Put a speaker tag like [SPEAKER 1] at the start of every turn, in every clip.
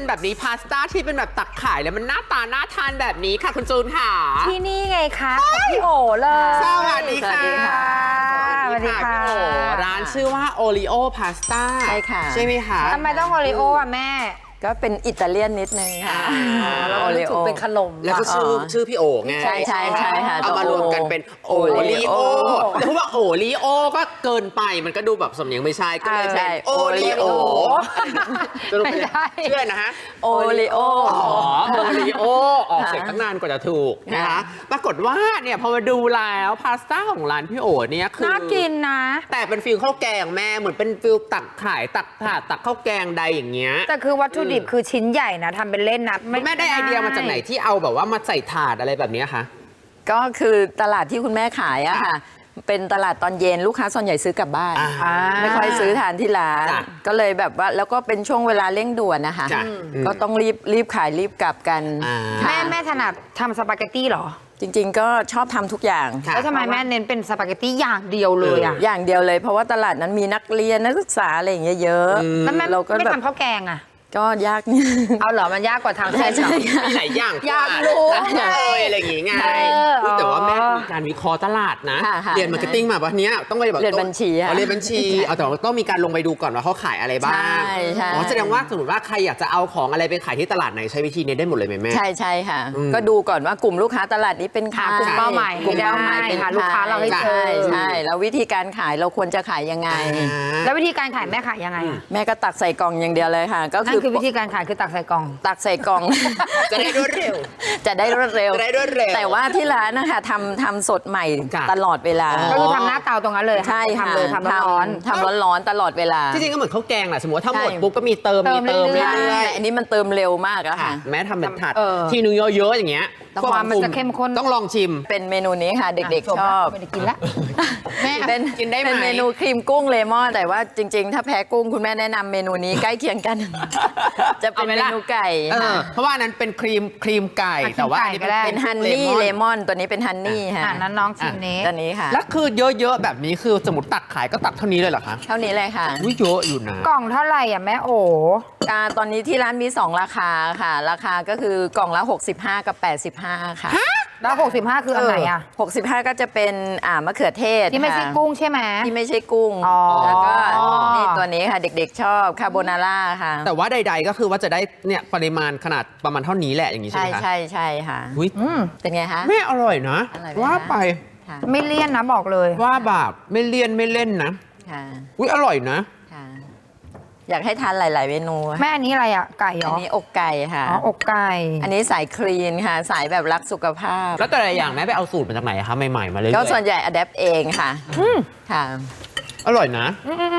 [SPEAKER 1] แบบนี้พาสต้าที่เป็นแบบตักขายแล้วมันหน้าตาน่าทานแบบนี้ค่ะคุณจูนค่ะ
[SPEAKER 2] ที่นี่ไงคะของพี่โอเลย
[SPEAKER 1] สวัสดีค่ะ
[SPEAKER 2] สวัสดีค่ะ
[SPEAKER 1] พี่โอร้านชื่อว่าโอริโอพาสต้า
[SPEAKER 3] ใช่ค่ะ
[SPEAKER 1] ใช่ไหมคะ
[SPEAKER 2] ทำไมต้องโอริโออ่ะแม่
[SPEAKER 3] ก็เป็นอิตาเลียนนิดนึงค่ะ
[SPEAKER 2] เราก็รู้สึกเป็นขนม
[SPEAKER 1] แล้วก็ชื่อพี่โอไง
[SPEAKER 3] ใช่ค่ะ
[SPEAKER 1] เอามารวมกันเป็นโอริโอแต่พูดว่าโอริโอก็เกินไปมันก็ดูแบบสำเนียงไม่ใช่ก็เลยเป็นโอริโอ
[SPEAKER 2] ไม่ใช่
[SPEAKER 1] เชื่อนะฮะ
[SPEAKER 3] โอริโอ
[SPEAKER 1] โอริโอออกเสียงตั้งนานกว่าจะถูกนะคะปรากฏว่าเนี่ยพอมาดูแล้วพาสต้าของร้านพี่โอเนี่ยคือ
[SPEAKER 2] น่ากินนะ
[SPEAKER 1] แต่เป็นฟิลข้าวแกงแม่เหมือนเป็นฟิลตักขายตักถาดตักข้าวแกงใดอย่างเงี้ย
[SPEAKER 2] แต่คือวัตถุดิบคือชิ้นใหญ่นะทำเป็นเล่นนะ
[SPEAKER 1] แม่ได้ไอเดียมาจากไหนที่เอาแบบว่ามาใส่ถาดอะไรแบบนี้คะ
[SPEAKER 3] ก็คือตลาดที่คุณแม่ขายอะค่ะ เป็นตลาดตอนเย็นลูกค้าส่วนใหญ่ซื้อกลับบ้าน ไม่ค่อยซื้อทานที่ร้าน ก็เลยแบบว่าแล้วก็เป็นช่วงเวลาเร่งด่วนนะคะ ก็ต้องรีบขายรีบกลับกัน
[SPEAKER 2] แม่ถนัดทำสปาเกตตี้เหรอ
[SPEAKER 3] จริงๆ ก็ชอบทำทุกอย่าง
[SPEAKER 2] แล้วทำไมแม่เน้นเป็นสปาเกตตี้อย่างเดียวเลยอ่ะ
[SPEAKER 3] อย่างเดียวเลยเพราะว่าตลาดนั้นมีนักเรียนนักศึกษาอะไรอย่างเงี้ยเยอะ
[SPEAKER 2] แล้วแม่
[SPEAKER 3] เราก็
[SPEAKER 2] ไม่
[SPEAKER 3] แบบ
[SPEAKER 2] ทำข้าวแกงอ่ะ
[SPEAKER 3] ก็ยากนิด
[SPEAKER 2] เอาเหรอมันยากกว่าทำเส้นเหรอ
[SPEAKER 1] มีหลายอย่าง
[SPEAKER 2] อยากรู้
[SPEAKER 1] อะไรอย่างงี้ไง
[SPEAKER 2] เออ
[SPEAKER 1] แต่ว่าแม่มีการวิเคราะห์ตลาดนะ
[SPEAKER 3] ค่ะ
[SPEAKER 1] เรียนมาร์เก็ตติ้งมาวันนี้ต้องไปแบบ
[SPEAKER 3] เรียนบัญชีอะ
[SPEAKER 1] เรียนบัญชีเอาแต่ว่าต้องมีการลงไปดูก่อนว่าเขาขายอะไรบ้าง
[SPEAKER 3] ใช่
[SPEAKER 1] อ๋อแสดงว่าสมมติว่าใครอยากจะเอาของอะไรไปขายที่ตลาดไหนใช้วิธีนี้ได้หมดเลยไหมแม่
[SPEAKER 3] ใช่ค่ะ ก็ดูก่อนว่ากลุ่มลูกค้าตลาดนี้เป็นใคร
[SPEAKER 2] หากลุ่มเป้าหมาย
[SPEAKER 3] กลุ่มเป้าหมายเป็น
[SPEAKER 2] หาลูกค้าเราให้เจอ
[SPEAKER 3] ใช่แล้ววิธีการขายเราควรจะขายยังไง
[SPEAKER 2] แล้ววิธีการขายแม่ขายยังไงอะ
[SPEAKER 3] แม่ก็ตักใส่กล่องอย่างเดียวเลยค่ะ ก็
[SPEAKER 2] นั่นคือวิธีการขายคือตักใส่กล่อง
[SPEAKER 3] ตักใส่กล่อง
[SPEAKER 1] จะได้รวดเร็ว
[SPEAKER 3] จะได้รวดเร็ว
[SPEAKER 1] จะได้รวดเร็ว
[SPEAKER 3] แต่ว่าที่ร้านนะคะทำสดใหม่
[SPEAKER 1] จ้ะ
[SPEAKER 3] ตลอดเวลา
[SPEAKER 2] ก็คือทำหน้าเตาตรงนั้นเลย
[SPEAKER 3] ใช่ค่ะ
[SPEAKER 2] ทำเลยทำร้อน
[SPEAKER 3] ทำร้อนๆตลอดเวลา
[SPEAKER 1] จริงๆก็เหมือนข้าวแกงแหละสมมติว่าถ้าหมด
[SPEAKER 3] ใช่
[SPEAKER 1] ปุ๊บก็มีเติม
[SPEAKER 2] เติมเรื่อยๆ
[SPEAKER 1] เรื่
[SPEAKER 3] ใช่
[SPEAKER 1] อย
[SPEAKER 3] แต่อันนี้มันเติมเร็วมากอะ
[SPEAKER 1] ๆค่ะ
[SPEAKER 3] ค่ะ
[SPEAKER 1] แม้ทำเป็นถาด
[SPEAKER 2] เออ
[SPEAKER 1] ทีนึงเยอะๆอย่างเงี้ย
[SPEAKER 2] แต่ความมันจะเข้มข้น
[SPEAKER 1] ต้องลองชิม
[SPEAKER 3] เป็นเมนูนี้ค่ะเด็กๆชอบ
[SPEAKER 2] ไม่ได้กินละแม่
[SPEAKER 3] เป็น
[SPEAKER 1] กินได้ไหม
[SPEAKER 3] เป็นเมนูครีมกุ้งเลมอนแต่ว่าจริงๆ ถ้าแพ้กุ้งคุณแม่แนะนำเมนูนี้ใกล้เคียงกัน จะเป็น
[SPEAKER 1] เอาไหม
[SPEAKER 3] เม
[SPEAKER 1] ล่ะ
[SPEAKER 3] นูไก่
[SPEAKER 1] เพราะว่าอันนั้นเป็นครีมไก่
[SPEAKER 2] อ่ะ
[SPEAKER 1] แต่ว่าอัน
[SPEAKER 2] ครี
[SPEAKER 1] นี้
[SPEAKER 2] มไก่ก็ได้
[SPEAKER 3] เป็นฮันนี่เลมอนตัวนี้เป็นฮันนี่ค่ะ
[SPEAKER 2] นั้นน้องชิมนี้
[SPEAKER 3] ตัวนี้ค่ะ
[SPEAKER 1] แล้วคือเยอะๆแบบนี้คือสมมติตักขายก็ตักเท่านี้เลยเหรอคะ
[SPEAKER 3] เท่านี้เลยค่ะ
[SPEAKER 1] อุ้ยเยอะอยู่นะ
[SPEAKER 2] กล่องเท่าไหร่อ่ะแม่โอ
[SPEAKER 3] ตอนนี้ที่ร้านมี 2 ราคาค่ะ ราคาก็คือกล่องละ 65 กับ 85 ค่ะ
[SPEAKER 2] แล้ว65คืออันไหนอ่ะ
[SPEAKER 3] 65 ก็จะเป็นมะเขือเทศ
[SPEAKER 2] ที่ไม่ใช่
[SPEAKER 3] ค่ะ
[SPEAKER 2] กุ้งใช่ไหม
[SPEAKER 3] ที่ไม่ใช่กุ้ง
[SPEAKER 2] อ๋อ
[SPEAKER 3] แล้วก็นี่ตัวนี้ค่ะเด็กๆชอบคาโบนาร่าค่ะ
[SPEAKER 1] แต่ว่าใดๆก็คือว่าจะได้เนี่ยปริมาณขนาดประมาณเท่านี้แหละอย่างนี้ใช่
[SPEAKER 3] ใช่
[SPEAKER 1] ไหมคะ
[SPEAKER 3] ใช่ค่ะ
[SPEAKER 1] อุ้ย
[SPEAKER 3] เป็นไงคะ
[SPEAKER 1] แม่อร่อยนะ
[SPEAKER 3] อร่อยไหมคะ
[SPEAKER 1] ว่าไป
[SPEAKER 3] ค่ะ
[SPEAKER 2] ไม่เลี่ยนนะบอกเลย
[SPEAKER 1] ว่าแบบไม่เลี่ยนไม่เล่นนะ
[SPEAKER 3] ค่ะ
[SPEAKER 1] อุ้ยอร่อยนะ
[SPEAKER 3] ค่ะ อยากให้ทานหลาย ๆ เมนู
[SPEAKER 2] แม่อันนี้อะไรอ่ะไก่เหร
[SPEAKER 3] อัน
[SPEAKER 2] อ
[SPEAKER 3] นี้อกไก่ค่ะ
[SPEAKER 2] อ๋ออกไก่
[SPEAKER 3] อันนี้สายคลีนค่ะ สายแบบรักสุขภาพ
[SPEAKER 1] แล้วแต่ละอย่างแม่ไปเอาสูตรมาจากไหนคะใหม่ๆมาเลย
[SPEAKER 3] ก็ส่วนใหญ่อัดแอปเองค่ะค่ะ
[SPEAKER 1] อร่อยนะ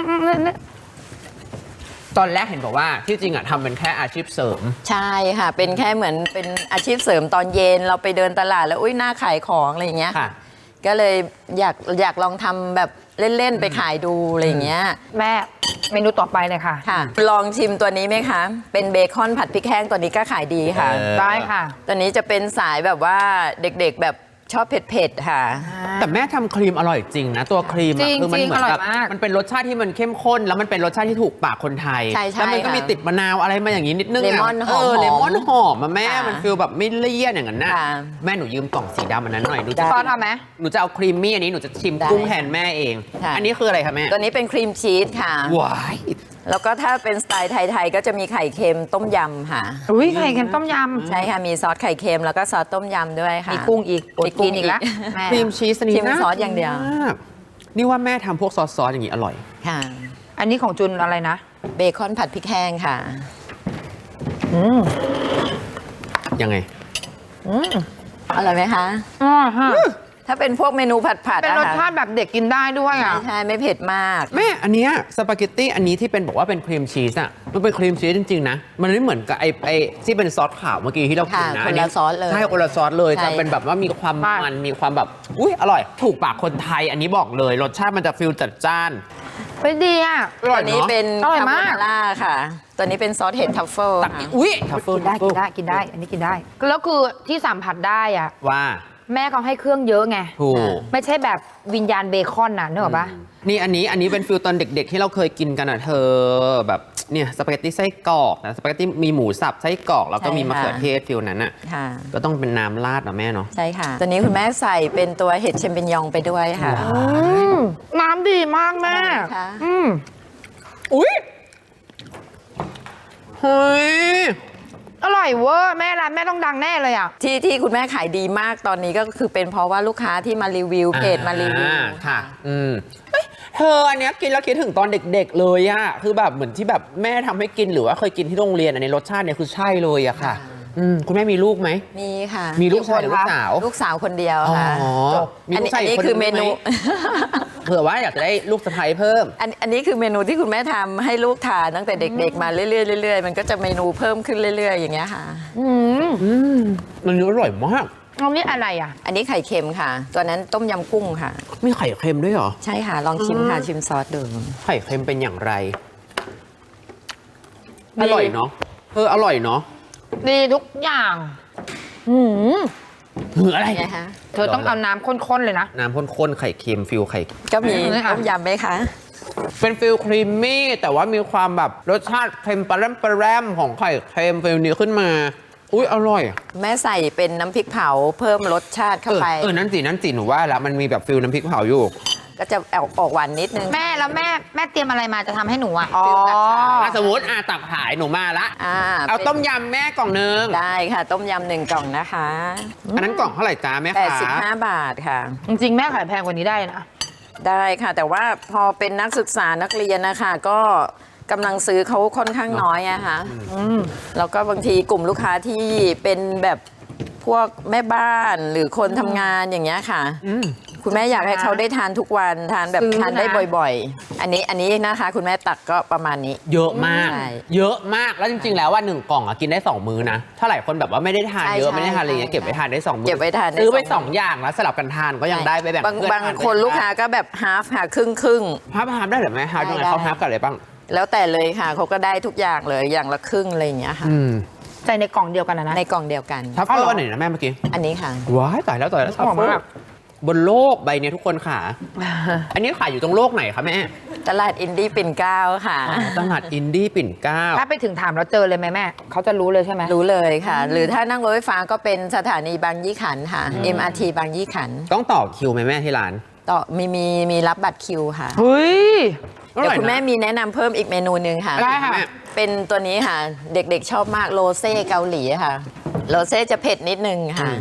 [SPEAKER 1] ตอนแรกเห็นบอกว่าที่จริงอะทำเป็นแค่อาชีพเสริม
[SPEAKER 3] ใช่ค่ะ เป็นแค่เหมือนเป็นอาชีพเสริมตอนเย็นเราไปเดินตลาดแล้วอุ้ยน่าขายของอะไรอย่างเงี้ย
[SPEAKER 1] ค่ะ
[SPEAKER 3] ก็เลยอยากลองทำแบบเล่น ๆ ไปขายดูอะไรอย่างเงี้ย
[SPEAKER 2] แม่เมนูต่อไปเลยค่ะ
[SPEAKER 3] ค่ะ ลองชิมตัวนี้ไหมคะ เป็นเบคอนผัดพริกแห้งตัวนี้ก็ขายดีค่ะ
[SPEAKER 2] ได้ค่ะ
[SPEAKER 3] ตัวนี้จะเป็นสายแบบว่าเด็กๆแบบชอบเผ็ดๆค่ะ
[SPEAKER 1] แต่แม่ทำครีมอร่อยจริงนะ ตัวครีม
[SPEAKER 2] จริ
[SPEAKER 1] อะ
[SPEAKER 2] ง
[SPEAKER 1] คือมันเหมือน
[SPEAKER 2] อร่อย
[SPEAKER 1] แบบ
[SPEAKER 2] มาก
[SPEAKER 1] มันเป็นรสชาติที่มันเข้มข้น แล้วมันเป็นรสชาติที่ถูกปากคนไทย
[SPEAKER 3] ใช่
[SPEAKER 1] แล้วมันก็
[SPEAKER 3] ค่ะ
[SPEAKER 1] มีติดมะนาวอะไรมาอย่างนี้นิดนึงะ
[SPEAKER 3] เลมอนหอม
[SPEAKER 1] เลมอนหอมมาแม่
[SPEAKER 3] ค่ะ
[SPEAKER 1] มันฟีลแบบไม่เลี่ยนอย่างนั้นน่ะ
[SPEAKER 3] ค่ะ
[SPEAKER 1] แม่หนูยืมกล่องสีดำอันนั้นหน่อยหนู
[SPEAKER 3] ได้
[SPEAKER 1] จะ
[SPEAKER 2] ซอสเอาไหม
[SPEAKER 1] หนูจะเอาครีมมี่อันนี้หนูจะชิม
[SPEAKER 3] ได้
[SPEAKER 1] กุ้งแทนแม่เอง
[SPEAKER 3] ค่ะ
[SPEAKER 1] อันนี้คืออะไรคะแม่
[SPEAKER 3] ตัวนี้เป็นครีมชีสค่ะ
[SPEAKER 1] ว้าย
[SPEAKER 3] แล้วก็ถ้าเป็นสไตล์ไทยๆก็จะมีไข่เค็มต้มยำค่ะ
[SPEAKER 2] อุ้ยไข่เค็มต้มย
[SPEAKER 3] ใช่ค่ะ มีซอสไข่เค็มแล้วก็ซอสต้มยำด้วย
[SPEAKER 2] ำ
[SPEAKER 3] ค่ะ
[SPEAKER 2] มีกุ้งอีกอด
[SPEAKER 3] มีกุ้
[SPEAKER 2] กิ
[SPEAKER 3] ง
[SPEAKER 2] นอีกแล้ว
[SPEAKER 3] อีก
[SPEAKER 2] แม่
[SPEAKER 1] ครีมชีสอันนี้
[SPEAKER 3] ชิม
[SPEAKER 1] น่า
[SPEAKER 3] ซอสอย่างเดียว
[SPEAKER 1] มากนี่ว่าแม่ทำพวกซอสอย่างนี้อร่อย
[SPEAKER 3] ค่ะ
[SPEAKER 2] อันนี้ของจุนอะไรนะ
[SPEAKER 3] เบคอนผัดพริกแห้งค่ะ
[SPEAKER 1] ยังไง
[SPEAKER 3] อร่อยไหมคะ
[SPEAKER 2] อ๋อฮะ
[SPEAKER 3] ถ้าเป็นพวกเมนูผัด
[SPEAKER 2] เป็นรสชาติแบบเด็กกินได้ด้วยอ่ะ
[SPEAKER 3] ใช่ไม่เผ็ดมาก
[SPEAKER 1] แม่อันเนี้ยสปาเกตตี้อันนี้ที่เป็นบอกว่าเป็นครีมชีสอ่ะมันเป็นครีมชีสจริงๆนะมันไม่เหมือนกับไอที่เป็นซอสขาวเมื่อกี้ที่เรากินนะ
[SPEAKER 3] ค่ะคนละซอสเลย
[SPEAKER 1] ใช่คนละซอสเลย
[SPEAKER 3] ใช่
[SPEAKER 1] จะเป็นแบบว่ามีความ
[SPEAKER 2] ใช่
[SPEAKER 1] มันมีความแบบอุ้ยอร่อย ถูกปากคนไทยอันนี้บอกเลยรสชาติมันจะฟิลจัดจ้าน
[SPEAKER 2] ไปดีอ่ะ
[SPEAKER 1] อร่อย
[SPEAKER 3] ตัวนี้
[SPEAKER 1] เนาะ
[SPEAKER 3] เป็น
[SPEAKER 2] อร่อย
[SPEAKER 3] คาโบ
[SPEAKER 2] มาก
[SPEAKER 3] นาร่าค่ะ ตัวนี้เป็นซอสเห็ดทัฟเฟิล
[SPEAKER 1] ตัก
[SPEAKER 3] ค่ะ
[SPEAKER 1] อุ้ย
[SPEAKER 2] กินได้กินได้กินได้ อันนี้กินได้ แล้วคือที่สัมผัสได้อ่ะ
[SPEAKER 1] ว่า
[SPEAKER 2] แม่เขาให้เครื่องเยอะไง
[SPEAKER 1] ถูก
[SPEAKER 2] ไม่ใช่แบบวิญญาณเบคอนน่ะนึกออกปะ
[SPEAKER 1] นี่อันนี้เป็นฟิลตอนเด็กๆที่เราเคยกินกันอ่ะเธอแบบเนี่ยสปาเกตตี้ไส้กรอกนะสปาเกตตี้มีหมูสับไส้กรอกแล้วก็มีมะเขือเทศฟิลนั้นอ่ะ
[SPEAKER 3] ค่ะ
[SPEAKER 1] ก็ต้องเป็นน้ำราดนะแม่เนาะ
[SPEAKER 3] ใช่ค่ะ ตัวนี้คุณแม่ใส่เป็นตัวเห็ดเชมเปญยองไปด้วยค่ะ
[SPEAKER 2] น้ำดีมากแม่
[SPEAKER 3] ค่ะ
[SPEAKER 1] อุ้ยเฮ้ย
[SPEAKER 2] อร่อยเวอร์แม่ร้านแม่ต้องดังแน่เลยอ่ะ
[SPEAKER 3] ที่คุณแม่ขายดีมากตอนนี้ก็คือเป็นเพราะว่าลูกค้าที่มารีวิวเพจมารีวิว
[SPEAKER 1] ค่ะเอ้ยเธออันเนี้ยกินแล้วคิดถึงตอนเด็กๆเลยอะคือแบบเหมือนที่แบบแม่ทำให้กินหรือว่าเคยกินที่โรงเรียนอันนี้รสชาติเนี่ยคือใช่เลยอะค่ะคุณแม่มีลูกไหม
[SPEAKER 3] มีค่ะ
[SPEAKER 1] มีลูกชายหรือลูกสาว
[SPEAKER 3] ลูกสาวคนเดียว
[SPEAKER 1] อ๋อ
[SPEAKER 3] ค่ะ
[SPEAKER 1] มีลูกชาย
[SPEAKER 3] อัน
[SPEAKER 1] อี
[SPEAKER 3] นี้
[SPEAKER 1] กคน
[SPEAKER 3] คือเม
[SPEAKER 1] นึงไห
[SPEAKER 3] นู
[SPEAKER 1] เผื่อว่าอยากจะได้ลูกสะใภ้เพิ่ม
[SPEAKER 3] อันนี้คือเมนูที่คุณแม่ทำให้ลูกทานตั้งแต่เด็กๆมาเรื่อยๆเรื่อยๆมันก็จะเมนูเพิ่มขึ้นเรื่อยๆอย่างเงี้ยค่ะ
[SPEAKER 1] มันอร่อยมาก
[SPEAKER 2] เอานี่อะไรอ่ะ
[SPEAKER 3] อันนี้ไข่เค็มค่ะ ตัวนั้นต้มยำกุ้งค่ะ
[SPEAKER 1] มีไข่เค็มด้วยเหรอ
[SPEAKER 3] ใช่ค่ะลองชิมค่ะชิมซอสดู
[SPEAKER 1] ไข่เค็มเป็นอย่างไร
[SPEAKER 2] ดี
[SPEAKER 1] อร่อยเนาะอร่อยเนาะ
[SPEAKER 2] ดีทุกอย่าง
[SPEAKER 1] หืออะไร
[SPEAKER 3] ไงคะ
[SPEAKER 2] เธอต้องเอาน้ำข้นๆเลยนะ
[SPEAKER 1] น้ำข้นๆไข่เค็มฟิลไข่
[SPEAKER 3] ก็มี
[SPEAKER 2] นี่ค่ะ
[SPEAKER 3] ต้มยำไหมคะ
[SPEAKER 1] เป็นฟิลครีมมี่แต่ว่ามีความแบบรสชาติเค็มปลาแรมของไข่เค็มฟิลนี้ขึ้นมา อุ้ยอร่อย
[SPEAKER 3] แม่ใส่เป็นน้ำพริกเผาเพิ่มรสชาติเข้าไป
[SPEAKER 1] นั่นสิหนูว่าแล้วมันมีแบบฟิลน้ำพริกเผาอยู่
[SPEAKER 3] ก็จะออกหวานนิดนึง
[SPEAKER 2] แม่แล้วแม่เตรียมอะไรมาจะทำให้หนูอ่ะ
[SPEAKER 3] อ๋อ
[SPEAKER 1] สมมติตักขายหนูมาละ เอา
[SPEAKER 3] ป็น
[SPEAKER 1] ต้มยำแม่กล่องนึง
[SPEAKER 3] ได้ค่ะ ต้มยำ1 กล่องนะคะ
[SPEAKER 1] อันนั้นกล่องเท่าไหร่จ้าแม่คะ
[SPEAKER 3] 85 บาทค่ะ
[SPEAKER 2] จริงๆแม่ขายแพงกว่านี้ได้นะ
[SPEAKER 3] ได้ค่ะ แต่ว่าพอเป็นนักศึกษานักเรียนนะคะก็กำลังซื้อเขาค่อนข้างน้อยอะค่ะแล้วก็บางทีกลุ่มลูกค้าที่เป็นแบบพวกแม่บ้านหรือคนทำงานอย่างเงี้ยค่ะ คุณแม่อยากให้เขาได้ทานทุกวันทานแบบทานได้บ่อยๆ อันนี้นะคะ คุณแม่ตักก็ประมาณนี้
[SPEAKER 1] เยอะมาก
[SPEAKER 3] ใช่
[SPEAKER 1] เยอะมากแล้วจริงๆแล้วว่า1 กล่องกินได้ 2 มื้อนะถ้าหลายคนแบบว่าไม่ได้ทานเยอะ
[SPEAKER 3] ใช่
[SPEAKER 1] ไม่ได้ทานอะไรเงี้ย
[SPEAKER 3] ใช่
[SPEAKER 1] เก็บไว้ทานได้2 มื้อ
[SPEAKER 3] เก็บไว้ทานได้
[SPEAKER 1] ซื้อไป
[SPEAKER 3] สอง
[SPEAKER 1] 2 อย่างแล้วสลับกันทานก็ยังได้ไปแบ่ง
[SPEAKER 3] บาง
[SPEAKER 1] เพื่อน
[SPEAKER 3] บาง
[SPEAKER 1] ทาน
[SPEAKER 3] คนลูกค้าก็แบบฮาฟค่ะครึ่ง
[SPEAKER 1] ฮาร์ฟได้หรือไม่ฮาร์ฟยังไง
[SPEAKER 3] ได้
[SPEAKER 1] เขาฮาร์ฟกันอะไรบ้าง
[SPEAKER 3] แล้วแต่เลยค่ะเขาก็ได้ทุกอย่างเลยอย่างละครึ่งอะไรอย่างเงี้ยค่ะ
[SPEAKER 2] ใส่ในกล่องเดียวกันนะ
[SPEAKER 3] ในกล่องเดียวกัน
[SPEAKER 1] ทัฟเฟิลอันไหนนะแม่เมื่อกี้
[SPEAKER 3] อันนี้ค่ะ
[SPEAKER 1] ว้ายตายแล้วทัฟ
[SPEAKER 2] หอ
[SPEAKER 1] เฟิ
[SPEAKER 2] ม
[SPEAKER 1] ล
[SPEAKER 2] มาก
[SPEAKER 1] บนโลกใบเนี้ยทุกคนค่ะ อันนี้ขายอยู่ตรงโลกไหนคะแม่
[SPEAKER 3] ตลาดอินดี้ปิ่นเกล้าค่ะ
[SPEAKER 1] ตลาดอินดี้ปิ่นเกล้า
[SPEAKER 2] ถ้าไปถึงถามแล้วเจอเลยไหมแม่เขาจะรู้เลยใช่ไหม
[SPEAKER 3] รู้เลยค่ะ หรือถ้านั่งรถไฟฟ้าก็เป็นสถานีบางยี่ขันธ์ค่ะ MRT บางยี่ขันธ์
[SPEAKER 1] ต้องต่อคิวไหมแม่ที่ร้าน
[SPEAKER 3] ต่อมีรับบัตรคิวค่ะ
[SPEAKER 2] เฮ้ย
[SPEAKER 3] เดี๋ยวคุณแม่มีแนะนำเพิ่มอีกเมนูหนึ่งค่ะ
[SPEAKER 2] ได้ค่ะ
[SPEAKER 3] เป็นตัวนี้ค่ะ เด็กๆชอบมากโรเซ่เกาหลีค่ะ โรเซ่จะเผ็ดนิดนึงค่ะ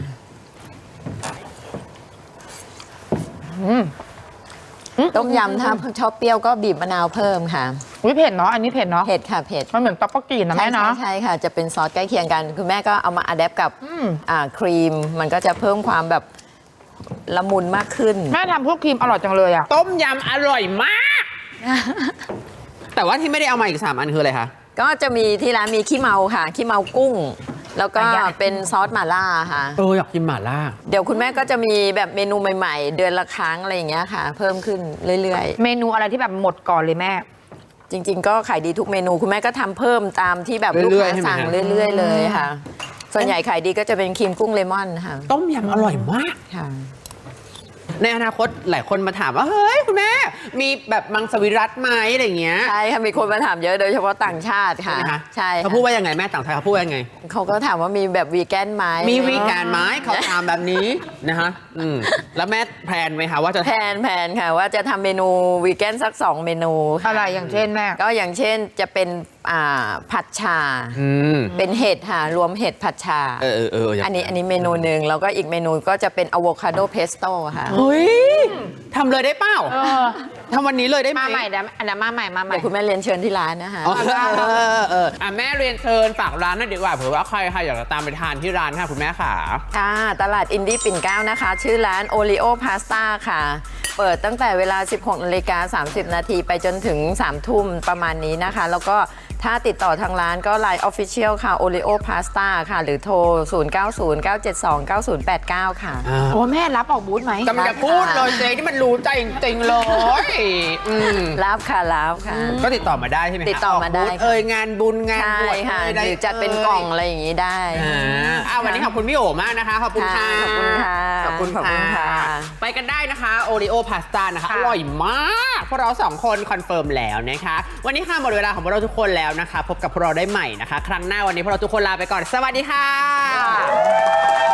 [SPEAKER 3] ต้มยำถ้าชอบเปรี้ยวก็บีบมะนาวเพิ่มค่ะ
[SPEAKER 2] อุ้ยเผ็ดเนาะอันนี้เผ็ดเนาะ
[SPEAKER 3] เผ็ดค่ะเผ็ด
[SPEAKER 2] มันเหมือนต๊อกโบกีนะแม่เนาะ
[SPEAKER 3] ใช่ค่ะ จะเป็นซอสใกล้เคียงกัน คุณแม่ก็เอามาอัดแอปกับครีม มันก็จะเพิ่มความแบบละมุนมากขึ้น
[SPEAKER 2] แม่ทำพวกครีมอร่อยจังเลยอ่ะ
[SPEAKER 1] ต้มยำอร่อยมาก แต่ว่าที่ไม่ได้เอามาอีก 3 อันคืออะไรคะ
[SPEAKER 3] ก็จะมีที่ร้านมีขี้เมาค่ะ ขี้เมากุ้ง แล้วก็
[SPEAKER 2] อันใหญ่
[SPEAKER 3] เป็นซอสหม่าล่าค่ะ
[SPEAKER 1] อยากกินหม่าล่า
[SPEAKER 3] เดี๋ยวคุณแม่ก็จะมีแบบเมนูใหม่ๆ เดือนละครั้งอะไรอย่างเงี้ยค่ะ เพิ่มขึ้นเรื่อยๆ
[SPEAKER 2] เมนูอะไรที่แบบหมดก่อนเลยแม่
[SPEAKER 3] จริง ๆ ก็ขายดีทุกเมนูคุณแม่ก็ทำเพิ่มตามที่แบบลูก
[SPEAKER 1] เรื่อย
[SPEAKER 3] ค้า
[SPEAKER 1] ๆใช่ไหม
[SPEAKER 3] สั่ง
[SPEAKER 1] ฮะ
[SPEAKER 3] เรื่อย ๆ เลยค่ะ ส่วนใหญ่ขายดีก็จะเป็นครีมกุ้งเลมอนค่ะ
[SPEAKER 1] ต้มยำอร่อยมาก
[SPEAKER 3] ค่ะ
[SPEAKER 1] ในอนาคตหลายคนมาถามว่าเฮ้ยคุณแม่มีแบบมังสวิรัตไหมอะไรอย่างเงี้ย
[SPEAKER 3] ใช่ค่ะมีคนมาถามเยอะโดยเฉพาะต่างชาติ
[SPEAKER 1] ใช่
[SPEAKER 3] ค่ะ
[SPEAKER 1] ไหมคะ
[SPEAKER 3] ใช่
[SPEAKER 1] เขาพูดว่ายังไงแม่ต่างชาติเขาพูดว่ายังไง
[SPEAKER 3] เขาก็ถามว่ามีแบบวีแกนไหม
[SPEAKER 1] มีวีแกนไหมเขาถามแบบนี้นะคะแล้วแม่แพลนไหมคะว่าจะ
[SPEAKER 3] แผนค่ะว่าจะทำเมนูวีแกนสัก 2 เมนู
[SPEAKER 2] อะไรอย่างเช่นแม่
[SPEAKER 3] ก็อย่างเช่นจะเป็นผัดชา เป็นเห็ดค่ะรวมเห็ดผัดชา อันนี้เมนูหนึ่งแล้วก็อีกเมนูก็จะเป็นอะโวคาโดเพสโต้ค่ะ
[SPEAKER 1] เฮ้ยทำเลยได้เปล่าทำวันนี้เลยได้ไหม
[SPEAKER 2] มาใหม่นะอันนั้นมาใหม่มาใหม่
[SPEAKER 3] เดี๋ยวคุณแม่เรียนเชิญที่ร้านนะคะ
[SPEAKER 1] แม่เรียนเชิญฝากร้านหน่อยดีกว่าเผื่อว่าใครอยากจะตามไปทานที่ร้านค่ะคุณแม่ค่ะ
[SPEAKER 3] ค่ะตลาดอินดี้ปิ่นเกล้านะคะ ชื่อร้านโอริโอพาสต้าค่ะ เปิดตั้งแต่เวลา 16:30 น. ไปจนถึง 3 ทุ่มประมาณนี้นะคะ แล้วก็ถ้าติดต่อทางร้านก็ Line Official ค่ะ Oreo Pasta ค่ะ หรือโทร 0909729089 ค่ะ
[SPEAKER 2] โอ้แม่รับออกบูธไหม
[SPEAKER 1] กำลังจะพูดเลยเจ๊ที่มันรู้ใจจริงๆเลย
[SPEAKER 3] รับค่ะรับค่ะ
[SPEAKER 1] ก็ติดต่อมาได้ใช่ไหมคะ
[SPEAKER 3] ติดต่อมาได้
[SPEAKER 1] กบูธงานบุญงาน
[SPEAKER 3] ใช่
[SPEAKER 1] บวช
[SPEAKER 3] ค่ะ
[SPEAKER 1] ได้
[SPEAKER 3] หรือจัดเป็นกล่องอะไรอย่างนี้ได้
[SPEAKER 1] วันนี้ขอบคุณพี่โอมากนะคะขอบคุณค่ะ
[SPEAKER 3] ขอบคุณค่ะ
[SPEAKER 1] ขอบคุณ
[SPEAKER 3] ขอบคุณค่ะ
[SPEAKER 1] ไปกันได้นะคะโอริโอพาสต้านะคะ
[SPEAKER 2] ค่ะ
[SPEAKER 1] อร่อยมากพวกเรา2คนคอนเฟิร์มแล้วนะคะวันนี้ค่ะหมดเวลาของพวกเราทุกคนแล้วนะคะพบกับพวกเราได้ใหม่นะคะ ครั้งหน้าวันนี้พวกเราทุกคนลาไปก่อนสวัสดีค่ะ